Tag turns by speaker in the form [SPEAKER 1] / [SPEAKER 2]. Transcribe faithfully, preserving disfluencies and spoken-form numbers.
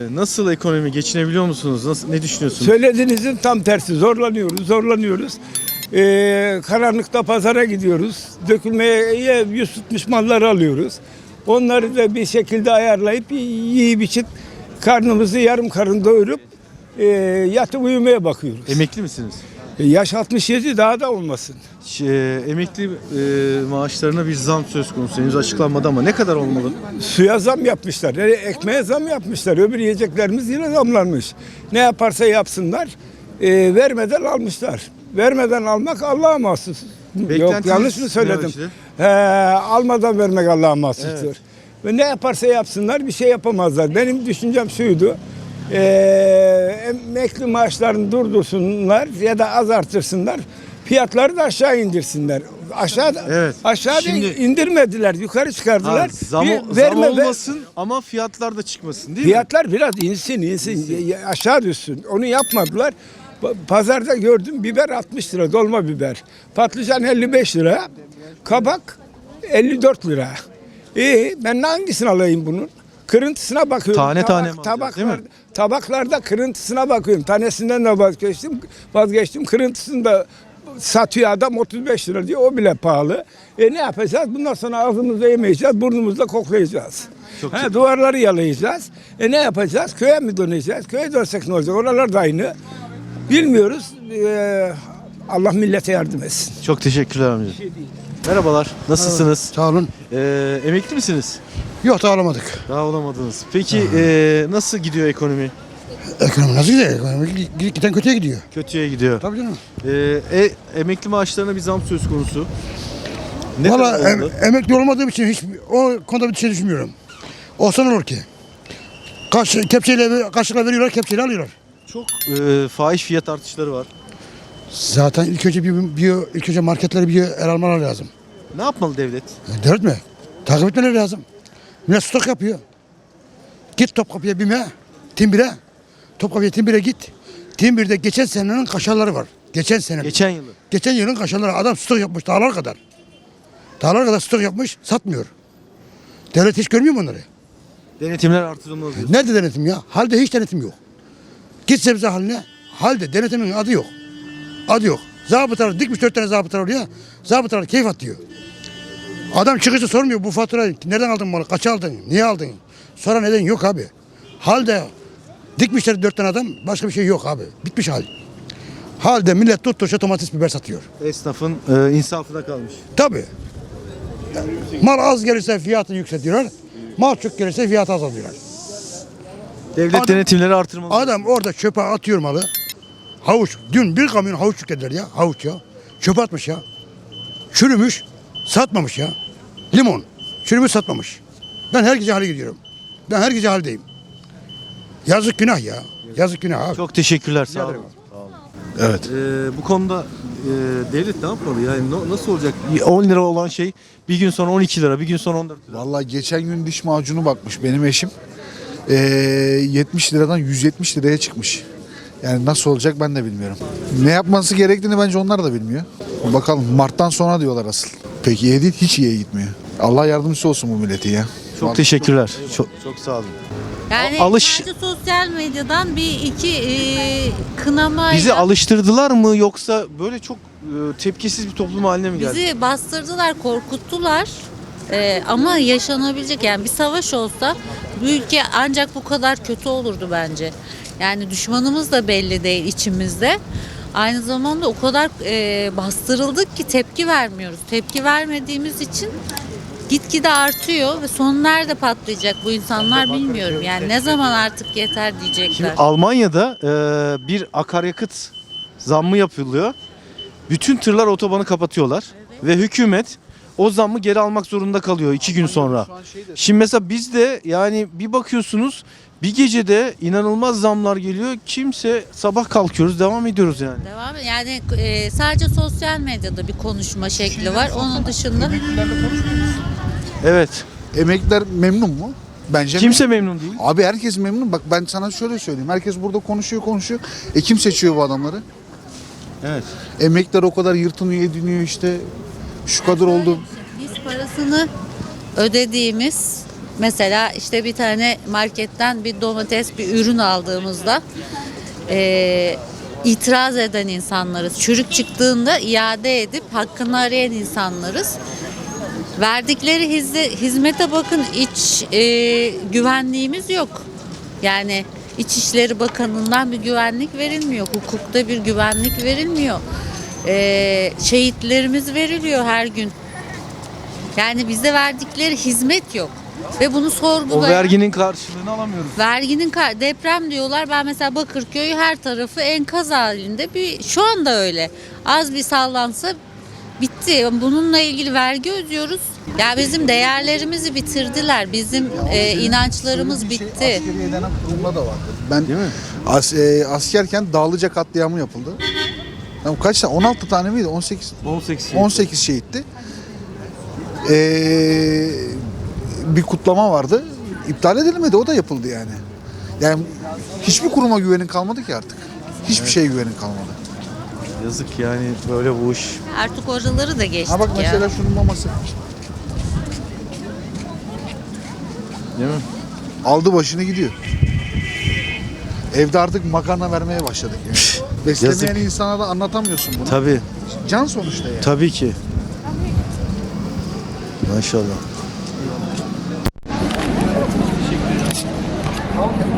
[SPEAKER 1] Nasıl ekonomi, geçinebiliyor musunuz? Nasıl, ne düşünüyorsunuz?
[SPEAKER 2] Söylediğinizin tam tersi. Zorlanıyoruz, zorlanıyoruz. Ee, karanlıkta pazara gidiyoruz. Dökülmeye yüz tutmuş malları alıyoruz. Onları da bir şekilde ayarlayıp yiyip içip karnımızı yarım karın doyurup e, yatıp uyumaya bakıyoruz.
[SPEAKER 1] Emekli misiniz?
[SPEAKER 2] E, yaş altmış yedi, daha da olmasın.
[SPEAKER 1] Şey, emekli e, maaşlarına bir zam söz konusu. Henüz açıklanmadı ama ne kadar olmalı?
[SPEAKER 2] Suya zam yapmışlar, e, ekmeğe zam yapmışlar. Öbür yiyeceklerimiz yine zamlanmış. Ne yaparsa yapsınlar, e, vermeden almışlar. Vermeden almak Allah'a mahsus. Yok, yanlış mı söyledim? He, almadan vermek Allah'a mahsustur. Evet. Ve ne yaparsa yapsınlar bir şey yapamazlar. Benim düşüncem şuydu. Ee, emekli maaşlarını durdursunlar ya da az artırsınlar. Fiyatları da aşağı indirsinler. Aşağı
[SPEAKER 1] evet.
[SPEAKER 2] aşağı Şimdi, indirmediler, yukarı çıkardılar. Ha,
[SPEAKER 1] zam,
[SPEAKER 2] bir,
[SPEAKER 1] zam olmasın ver, ama fiyatlar da çıkmasın değil
[SPEAKER 2] fiyatlar
[SPEAKER 1] mi?
[SPEAKER 2] Fiyatlar biraz insin, insin, insin, aşağı düşsün. Onu yapmadılar. Pazarda gördüm, biber altmış lira, dolma biber. Patlıcan elli beş lira. Kabak elli dört lira. İyi, ben hangisini alayım bunun? Kırıntısına bakıyorum.
[SPEAKER 1] Tane
[SPEAKER 2] Tabak,
[SPEAKER 1] tane mi
[SPEAKER 2] tabaklar,
[SPEAKER 1] değil mi?
[SPEAKER 2] Tabaklarda kırıntısına bakıyorum. Tanesinden de vazgeçtim. Vazgeçtim. Kırıntısını da satıyor adam otuz beş lira diyor. O bile pahalı. E ne yapacağız? Bundan sonra ağzımızda yemeyeceğiz, burnumuzda koklayacağız.
[SPEAKER 1] Çok
[SPEAKER 2] ha,
[SPEAKER 1] çok.
[SPEAKER 2] Duvarları yalayacağız. E ne yapacağız? Köye mi döneceğiz? Köye dönsek ne olacak? Oralar da aynı. Bilmiyoruz. Ee, Allah millete yardım etsin.
[SPEAKER 1] Çok teşekkürler amca. Şey Merhabalar. Nasılsınız?
[SPEAKER 3] Sağ olun.
[SPEAKER 1] Ee, emekli misiniz?
[SPEAKER 3] Yok, daha olamadık.
[SPEAKER 1] Daha olamadınız. Peki e, nasıl gidiyor ekonomi?
[SPEAKER 3] Ekonomi nasıl gidiyor? Ekonomi giden kötüye gidiyor.
[SPEAKER 1] Kötüye gidiyor.
[SPEAKER 3] Tabii canım.
[SPEAKER 1] Ee, e, emekli maaşlarına bir zam söz konusu. Ne
[SPEAKER 3] Valla
[SPEAKER 1] kadar
[SPEAKER 3] em,
[SPEAKER 1] oldu?
[SPEAKER 3] emekli olmadığım için hiç o konuda bir şey düşünmüyorum. Olsa ne olur ki? Kaş, kepçeyle, kaşıkla veriyorlar, kepçeyle alıyorlar.
[SPEAKER 1] Çok e, fahiş fiyat artışları var.
[SPEAKER 3] Zaten ilk önce bir, bir ilk önce marketleri bir el almaları lazım.
[SPEAKER 1] Ne yapmalı devlet?
[SPEAKER 3] E, devlet mi? Takip etmeleri lazım. Millet stok yapıyor. Git Topkapı'ya BİM'e, Timbir'e. Topkapı'ya Timbir'e git. Timbir'de geçen senenin kaşarları var. Geçen sene.
[SPEAKER 1] Geçen yılı.
[SPEAKER 3] Geçen yılın kaşarları. Adam stok yapmış dağlar kadar. Dağlar kadar stok yapmış, satmıyor. Devlet hiç görmüyor mu onları?
[SPEAKER 1] Denetimler artırılmalı diyorsun.
[SPEAKER 3] Nerede denetim ya? Halde hiç denetim yok. Git sebze haline. Halde denetimin adı yok. Adı yok. Zabıtalar dikmiş dört tane zabıtalar oraya. Zabıtalar keyif atıyor. Adam çıkışta sormuyor bu faturayı. Nereden aldın malı? Kaç aldın? Niye aldın? Sonra neden yok abi. Halde dikmişler dört tane adam. Başka bir şey yok abi. Bitmiş hal. Halde millet tutturuşa domates biber satıyor.
[SPEAKER 1] Esnafın e, insafına kalmış.
[SPEAKER 3] Tabii. Mal az gelirse fiyatı yükseltiyorlar. Mal çok gelirse fiyatı azaltıyorlar.
[SPEAKER 1] Devlet
[SPEAKER 3] Adam-
[SPEAKER 1] denetimleri artırmalı.
[SPEAKER 3] Adam orada çöpe atıyor malı. Havuç. Dün bir kamyon havuç yüklediler ya. Havuç ya. Çöpe atmış ya. Çürümüş. Satmamış ya. Limon. Çürümüş satmamış. Ben her gece hale gidiyorum. Ben her gece haldeyim. Yazık günah ya. Yazık günah abi.
[SPEAKER 1] Çok teşekkürler. Sağ olun.
[SPEAKER 3] ederim.
[SPEAKER 4] Evet.
[SPEAKER 1] Ee, bu konuda e, devlet ne yapmalı? Yani no- nasıl olacak? on lira olan şey bir gün sonra on iki lira, bir gün sonra on dört lira.
[SPEAKER 4] Vallahi geçen gün diş macunu bakmış benim eşim. Ee, yetmiş liradan yüz yetmiş liraya çıkmış. Yani nasıl olacak ben de bilmiyorum. Ne yapması gerektiğini bence onlar da bilmiyor. Bakalım Mart'tan sonra diyorlar asıl. Peki iyi değil, hiç iyiye gitmiyor. Allah yardımcısı olsun bu milleti ya.
[SPEAKER 1] Çok
[SPEAKER 4] Vallahi
[SPEAKER 1] teşekkürler. Çok, çok sağ olun.
[SPEAKER 5] Yani
[SPEAKER 1] Alış-
[SPEAKER 5] sadece sosyal medyadan bir iki e, kınamayla
[SPEAKER 1] Bizi alıştırdılar mı yoksa böyle çok e, tepkisiz bir toplum haline mi geldi?
[SPEAKER 5] bizi bastırdılar, korkuttular. E, ama yaşanabilecek, yani bir savaş olsa bu ülke ancak bu kadar kötü olurdu bence. Yani düşmanımız da belli değil içimizde. Aynı zamanda o kadar e, bastırıldık ki tepki vermiyoruz. Tepki vermediğimiz için gitgide artıyor ve son nerede patlayacak bu insanlar bilmiyorum. Yani ne zaman artık yeter diyecekler.
[SPEAKER 1] Şimdi Almanya'da e, bir akaryakıt zammı yapılıyor. Bütün tırlar otobanı kapatıyorlar ve hükümet o zammı geri almak zorunda kalıyor iki gün sonra. Şimdi mesela bizde yani bir bakıyorsunuz bir gecede inanılmaz zamlar geliyor. Kimse sabah kalkıyoruz devam ediyoruz yani.
[SPEAKER 5] Devam yani e, sadece sosyal medyada bir konuşma şekli var. Onun dışında
[SPEAKER 1] Evet.
[SPEAKER 4] Emekliler memnun mu? Bence
[SPEAKER 1] Kimse memnun değil.
[SPEAKER 4] Abi herkes memnun. Bak ben sana şöyle söyleyeyim. Herkes burada konuşuyor konuşuyor. E kim seçiyor bu adamları?
[SPEAKER 1] Evet.
[SPEAKER 4] Emekliler o kadar yırtınıyor ediniyor işte. Şu kadar oldu.
[SPEAKER 5] biz parasını ödediğimiz Mesela işte bir tane marketten bir domates, bir ürün aldığımızda e, itiraz eden insanlarız. Çürük çıktığında iade edip hakkını arayan insanlarız. Verdikleri hizde, hizmete bakın, iç e, güvenliğimiz yok. Yani İçişleri Bakanı'ndan bir güvenlik verilmiyor. Hukukta bir güvenlik verilmiyor. E, şehitlerimiz veriliyor her gün. Yani bize verdikleri hizmet yok. Ve bunu
[SPEAKER 1] O
[SPEAKER 5] sorgulayan...
[SPEAKER 1] verginin karşılığını alamıyoruz.
[SPEAKER 5] Verginin kar- deprem diyorlar. Ben mesela Bakırköy her tarafı enkaz halinde. Bir şu anda öyle. Az bir sallansa bitti. Bununla ilgili vergi ödüyoruz. Ya bizim değerlerimizi bitirdiler. Bizim e, inançlarımız
[SPEAKER 4] Şöyle bir şey,
[SPEAKER 5] bitti.
[SPEAKER 4] askeriye denen kurumda da vardı. Ben
[SPEAKER 1] Değil mi?
[SPEAKER 4] as, e, askerken Dağlıca katliamı yapıldı. Yani kaç tane? on altı tane miydi? on sekiz.
[SPEAKER 1] on sekiz.
[SPEAKER 4] on sekiz şehitti. Ee, bir kutlama vardı. İptal edilmedi. O da yapıldı yani. Yani hiçbir kuruma güvenin kalmadı ki artık. Hiçbir şeye güvenin kalmadı.
[SPEAKER 1] Yazık yani böyle bu iş.
[SPEAKER 5] Artık oraları da geçtik
[SPEAKER 4] Ha bak
[SPEAKER 5] ya.
[SPEAKER 4] mesela şunun maması.
[SPEAKER 1] Değil mi?
[SPEAKER 4] Aldı başını gidiyor. Evde artık makarna vermeye başladık yani. Beslemeyen
[SPEAKER 1] Yazık.
[SPEAKER 4] insana da anlatamıyorsun bunu.
[SPEAKER 1] Tabii.
[SPEAKER 4] Can sonuçta yani.
[SPEAKER 1] Tabii ki. Maşallah.